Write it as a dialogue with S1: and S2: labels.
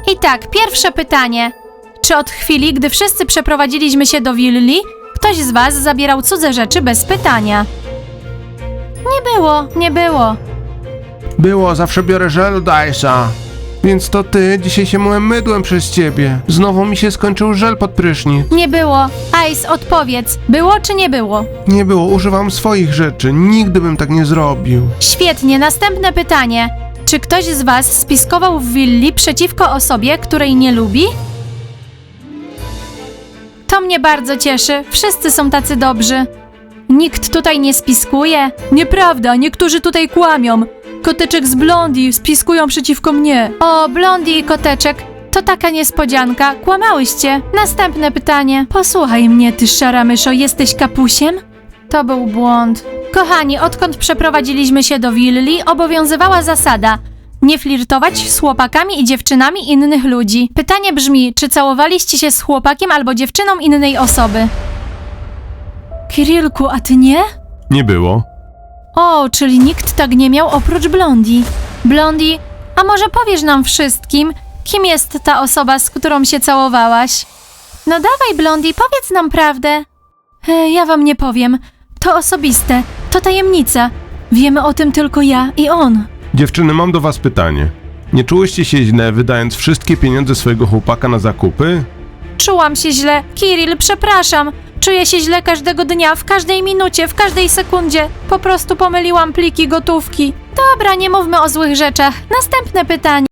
S1: I tak, pierwsze pytanie. Czy od chwili, gdy wszyscy przeprowadziliśmy się do willi, ktoś z was zabierał cudze rzeczy bez pytania? Nie było.
S2: Było, zawsze biorę żel od Ice'a. Więc to ty, dzisiaj się myłem mydłem przez ciebie. Znowu mi się skończył żel pod prysznic.
S1: Nie było. Ice, odpowiedz. Było czy nie było?
S2: Nie było, używam swoich rzeczy. Nigdy bym tak nie zrobił.
S1: Świetnie, następne pytanie. Czy ktoś z was spiskował w willi przeciwko osobie, której nie lubi? To mnie bardzo cieszy. Wszyscy są tacy dobrzy. Nikt tutaj nie spiskuje. Nieprawda, niektórzy tutaj kłamią. Koteczek z Blondie spiskują przeciwko mnie. O, Blondie i Koteczek, to taka niespodzianka. Kłamałyście. Następne pytanie. Posłuchaj mnie, ty szara myszo, jesteś kapusiem? To był błąd. Kochani, odkąd przeprowadziliśmy się do willi, obowiązywała zasada nie flirtować z chłopakami i dziewczynami innych ludzi. Pytanie brzmi, czy całowaliście się z chłopakiem albo dziewczyną innej osoby? Kirillku, a ty nie?
S2: Nie było.
S1: O, czyli nikt tak nie miał oprócz Blondie. Blondie, a może powiesz nam wszystkim, kim jest ta osoba, z którą się całowałaś? No dawaj, Blondie, powiedz nam prawdę. Ja wam nie powiem. To osobiste, to tajemnica. Wiemy o tym tylko ja i on.
S2: Dziewczyny, mam do was pytanie. Nie czułyście się źle, wydając wszystkie pieniądze swojego chłopaka na zakupy?
S1: Czułam się źle. Kirill, przepraszam. Czuję się źle każdego dnia, w każdej minucie, w każdej sekundzie. Po prostu pomyliłam pliki gotówki. Dobra, nie mówmy o złych rzeczach. Następne pytanie.